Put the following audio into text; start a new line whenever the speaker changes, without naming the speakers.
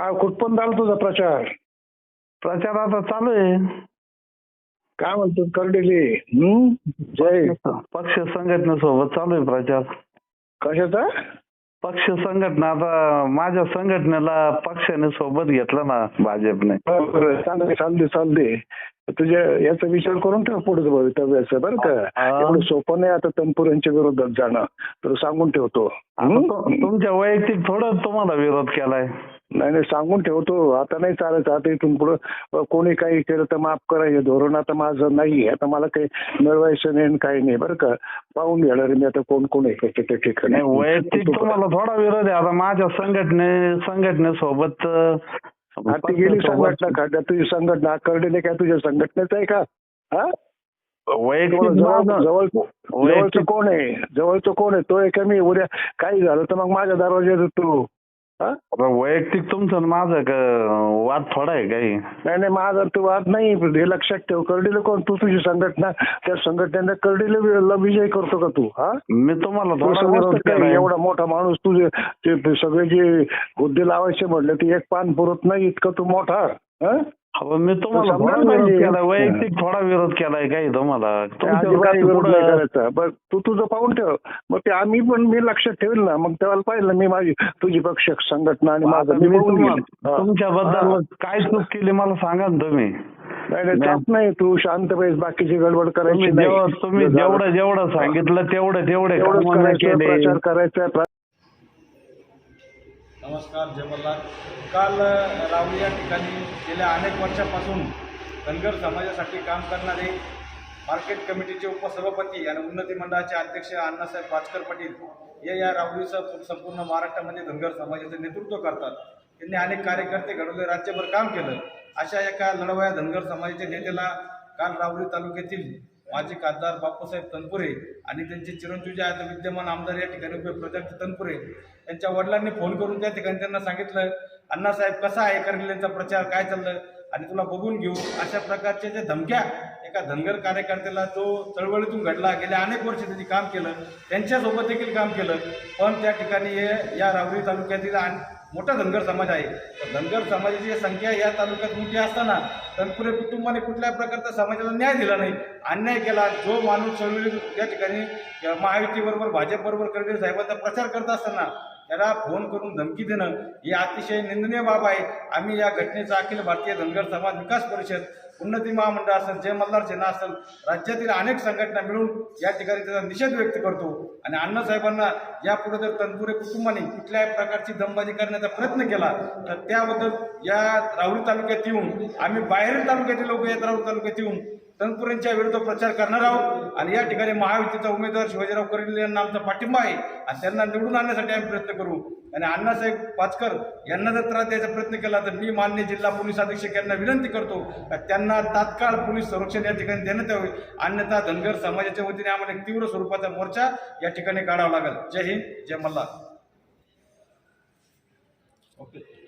काय कुठपर्यंत झाला तुझा प्रचार?
प्रचार आता चालू आहे.
काय म्हणतो करडेले? जय
पक्ष संघटनेसोबत चालू आहे प्रचार.
कशाचा?
पक्ष संघटना, आता माझ्या संघटनेला पक्षाने सोबत घेतलं ना भाजपने.
बरं, चालते. तुझ्या याचा विचार करून ठेव पुढे भवितव्याचं, बरं का? एवढं सोपं नाही आता तनपुरेंच्या विरोधात जाणं, तर सांगून ठेवतो.
तुमच्या वैयक्तिक थोडं तुम्हाला विरोध केलाय.
नाही सांगून ठेवतो. आता नाही चालायचं. आता इथून पुढे कोणी काही केलं तर माफ करायचं धोरण आता माझं नाही. आता मला काही मिळवायचं नाही काही नाही, बरं का? पाहून घेणार मी आता कोण कोण आहे त्या ठिकाणी.
वैयक्तिक तुम्हाला थोडा विरोध आहे. आता माझ्या संघटनेसोबत
ती गेली संघटना का? तुझी संघटना करडेले काय तुझ्या संघटनेच आहे का? हा, जवळचं कोण आहे? जवळचं कोण आहे? तो आहे मी? उद्या काही झालं तर मग माझ्या दरवाज्यात तू
वैयक्तिक तुमचं माझं वाद थोडा आहे काही?
नाही माझा तो वाद नाही. हे लक्षात ठेव. करडीले कोण? तू तुझी संघटना, त्या संघटनेने करडीला विजय करतो का तू? हा,
मी तुम्हाला
एवढा मोठा माणूस तुझे ते सगळे जे हुद्दे लावायचे म्हटले ते एक पान पुरत नाही इतकं तू मोठा.
मी तुम्हाला वैयक्तिक थोडा विरोध केलाय काही तुम्हाला?
विरोध नाही करायचा. बरं, तू तुझं पाहून ठेव. मग ते आम्ही पण मी लक्षात ठेवेल ना. मग तेव्हा पाहिलं मी माझी तुझी पक्ष संघटना आणि माझं
तुमच्याबद्दल काय चूक केली मला सांगा ना तुम्ही.
नाही तू शांत पाहिजे. बाकीची गडबड करायची नाही.
तुम्ही जेवढं सांगितलं तेवढे
प्रचार करायचा.
नमस्कार, जय मल्हार. काल रावली या ठिकाणी गेल्या अनेक वर्षापासून धनगर समाजासाठी काम करणारे मार्केट कमिटीचे उपसभापती आणि उन्नती मंडळाचे अध्यक्ष अण्णासाहेब पाचकर पाटील हे या रावलीसह संपूर्ण महाराष्ट्रामध्ये धनगर समाजाचे नेतृत्व करतात. त्यांनी अनेक कार्यकर्ते घडवले, राज्यभर काम केलं. अशा एका लढवया धनगर समाजाच्या नेत्याला काल रावली तालुक्यातील माजी खासदार बापूसाहेब तनपुरे आणि त्यांचे चिरंजीव जे आहेत विद्यमान आमदार या ठिकाणी प्रजापती तनपुरे यांच्या वडिलांनी फोन करून त्या ठिकाणी त्यांना सांगितलं, अण्णासाहेब कसा आहे करगिलेंचा प्रचार, काय चाललं आणि तुला बघून घेऊ. अशा प्रकारच्या ज्या धमक्या एका धनगर कार्यकर्त्याला जो चळवळीतून घडला, गेल्या अनेक वर्ष त्यांनी काम केलं, त्यांच्यासोबत देखील काम केलं. पण त्या ठिकाणी या रावरी तालुक्यातील मोठा धनगर समाज आहे. धनगर समाजाची संख्या या तालुक्यात मोठी असताना तनपुरे कुटुंबाने कुठल्या प्रकारचा समाजाला न्याय दिला नाही, अन्याय केला. जो माणूस चळवळी या ठिकाणी महायुतीबरोबर भाजपबरोबर करडे साहेबांचा प्रचार करत असताना त्याला फोन करून धमकी देणं ही अतिशय निंदनीय बाब आहे. आम्ही या घटनेचा अखिल भारतीय धनगर समाज विकास परिषद, उन्नती महामंडळ असेल, जय मल्हार सेना असेल, राज्यातील अनेक संघटना मिळून या ठिकाणी त्याचा निषेध व्यक्त करतो. आणि अण्णासाहेबांना यापुढे जर तनपुरे कुटुंबाने कुठल्याही प्रकारची दमबाजी करण्याचा प्रयत्न केला तर त्याबद्दल या राहुरी तालुक्यात येऊन आम्ही बाहेरील तालुक्यातील लोक या राहुरी तालुक्यात येऊन तनपुरेंच्या विरुद्ध प्रचार करणार आहोत. आणि या ठिकाणी महायुतीचा उमेदवार शिवाजीराव करडले यांना आमचा पाठिंबा आहे आणि त्यांना निवडून आणण्यासाठी आम्ही प्रयत्न करू. आणि अण्णासाहेब पाचकर यांना जर त्रास द्यायचा प्रयत्न केला तर मी माननीय जिल्हा पोलीस अधीक्षक यांना विनंती करतो त्यांना तात्काळ पोलीस संरक्षण या ठिकाणी देण्यात यावे. अन्यथा धनगर समाजाच्या वतीने आम्हाला एक तीव्र स्वरूपाचा मोर्चा या ठिकाणी काढावा लागेल. जय हिंद, जय मल्हार. ओके.